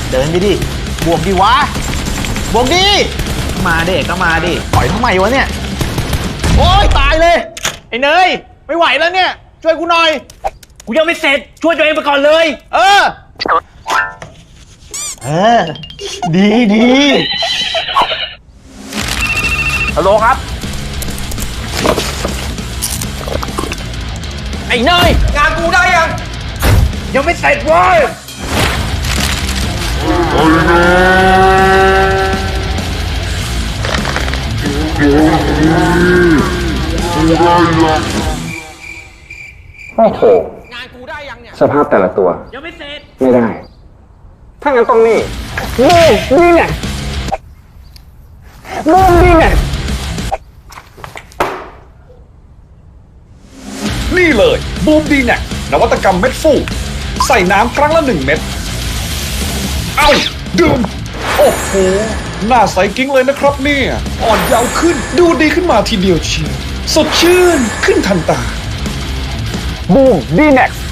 เดินไปดิบวกดิวะบวกดิมาดิก็มาดิปล่อยทำไมวะเนี่ยโอ๊ยตายเลยไอ้เนยไม่ไหวแล้วเนี่ยช่วยกูหน่อยกูยังไม่เสร็จช่วยตัวเองไปก่อนเลยเออดีฮัลโหลครับไอ้เนยงานกูได้ยังไม่เสร็จเว้ยโอ้โหงานกูได้ยังเนี่ยสภาพแต่ละตัวยังไม่เสร็จไม่ได้ ถ้างั้นต้องนี่นี่ไงนี่ไงนี่เลยบูมดีแน็กนวัตกรรมเม็ดฟูใส่น้ำครั้งละ1 เม็ดเอ้าดื่มโอ้โหหน้าใสกิ้งเลยนะครับเนี่ยอ่อนเยาว์ขึ้นดูดีขึ้นมาทีเดียวเชียวสดชื่นขึ้นทันตาบูมดีแน็ก